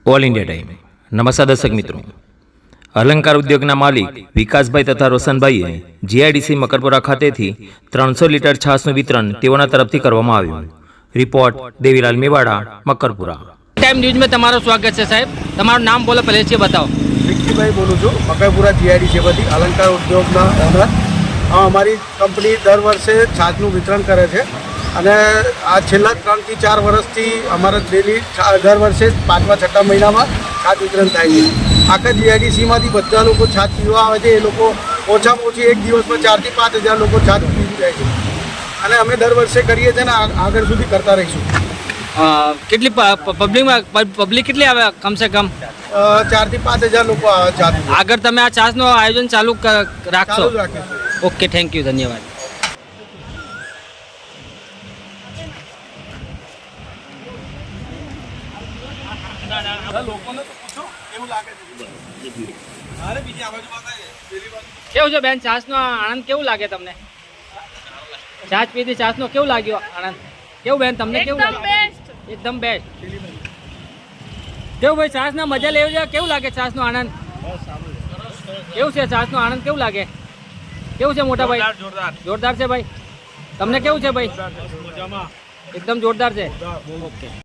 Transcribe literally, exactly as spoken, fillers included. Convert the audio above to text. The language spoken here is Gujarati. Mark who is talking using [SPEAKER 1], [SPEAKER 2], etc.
[SPEAKER 1] All India time. નમસ્કાર દર્શક મિત્રો, અલંકાર ઉદ્યોગના માલિક વિકાસભાઈ તથા રોશનભાઈએ જીઆઈડીસી મકરપુરા ખાતેથી ત્રણસો લીટર છાશનું વિતરણ તેઓના તરફથી કરવામાં આવ્યું. રિપોર્ટ દેવીલાલ મેવાડા, મકરપુરા.
[SPEAKER 2] ટાઈમ ન્યૂઝમાં તમારું સ્વાગત છે સાહેબ. તમારું નામ બોલો પહેલેથી બતાવો.
[SPEAKER 3] વિક્કીભાઈ બોલું છું, મકરપુરા જીઆઈડીસી પરથી અલંકાર ઉદ્યોગના ઓનર. અમારી કંપની દર વર્ષે છાશનું વિતરણ કરે છે અને આ છેલ્લા ત્રણથી ચાર વર્ષથી અમારા ડેલી દર વર્ષે પાંચમા છઠ્ઠા મહિનામાં છાશ વિતરણ થાય છે. આખા જીઆઈડીસીમાંથી બધા લોકો છાશ પીવા આવે છે. એ લોકો ઓછામાં ઓછી એક દિવસમાં ચારથી પાંચ હજાર લોકો છાશ પીવી જાય છે અને અમે દર વર્ષે કરીએ છીએ ને આગળ સુધી કરતા રહીશું.
[SPEAKER 2] કેટલી પબ્લિકમાં પબ્લિક કેટલી આવે કમસે કમ?
[SPEAKER 3] ચારથી પાંચ હજાર લોકો આવે છાશ.
[SPEAKER 2] આગળ તમે આ છાશનું આયોજન ચાલુ રાખશો?
[SPEAKER 3] ચાલુ રાખીશું.
[SPEAKER 2] ઓકે, થેન્ક યુ, ધન્યવાદ. કેવું છે બેન, છાશનો આનંદ કેવું લાગે તમને? છાશ પીધી, છાશનો કેવું લાગ્યો આનંદ? કેવું બેન, તમને કેવું લાગે? એકદમ બેસ્ટ. કેવું ભાઈ, છાશના મજા લેવી છે, કેવું લાગે છાશનો આનંદ? કેવું છે છાશનો આનંદ, કેવું લાગે? કેવું છે મોટા ભાઈ? જોરદાર. જોરદાર છે ભાઈ. તમને કેવું છે ભાઈ? એકદમ જોરદાર છે. ઓકે.